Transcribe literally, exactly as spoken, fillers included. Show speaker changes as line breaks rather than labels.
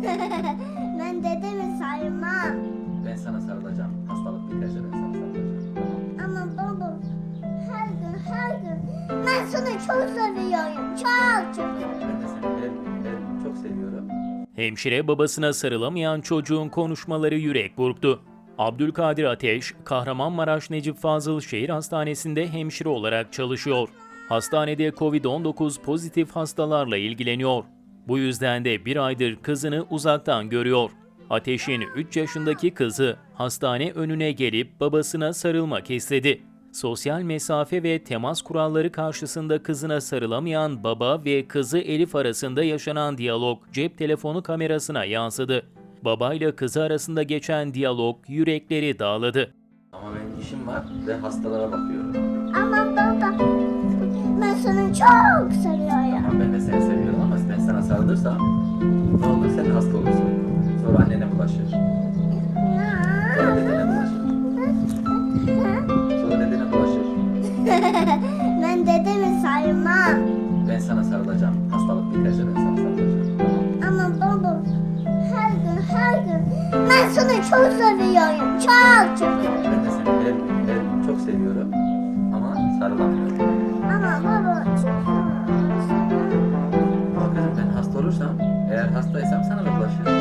Ben dedemi sarmam.
Ben sana sarılacağım. Hastalık biterse ben sana sarılacağım. Tamam.
Ama baba her gün her gün ben sana çok seviyorum. Çok çok.
Ben de seni her gün, her gün çok seviyorum.
Hemşire babasına sarılamayan çocuğun konuşmaları yürek burktu. Abdülkadir Ateş, Kahramanmaraş Necip Fazıl Şehir Hastanesi'nde hemşire olarak çalışıyor. Hastanede kovid on dokuz pozitif hastalarla ilgileniyor. Bu yüzden de bir aydır kızını uzaktan görüyor. Ateş'in üç yaşındaki kızı hastane önüne gelip babasına sarılmak istedi. Sosyal mesafe ve temas kuralları karşısında kızına sarılamayan baba ve kızı Elif arasında yaşanan diyalog cep telefonu kamerasına yansıdı. Babayla kızı arasında geçen diyalog yürekleri dağladı.
Ama benim işim var ve hastalara bakıyorum.
Ama baba ben sana çok seviyorum.
Ama ben de seni seviyorum ama ben sana sarılırsam ne olur sen de hasta olursun. Sonra annene bulaşır. Sonra dedene bulaşır. Sonra dedene bulaşır.
Ben dedemi sarmam.
Ben sana sarılacağım. Hastalık biterse ben sana sarılacağım. Tamam.
Ama baba her gün her gün ben sana çok seviyorum. Çok çok.
Ben de seni her gün, her gün çok seviyorum ama sarılamıyorum.
Ama baba çok
Ama kızım ben hasta olursam, eğer hastaysam sana da bulaşır.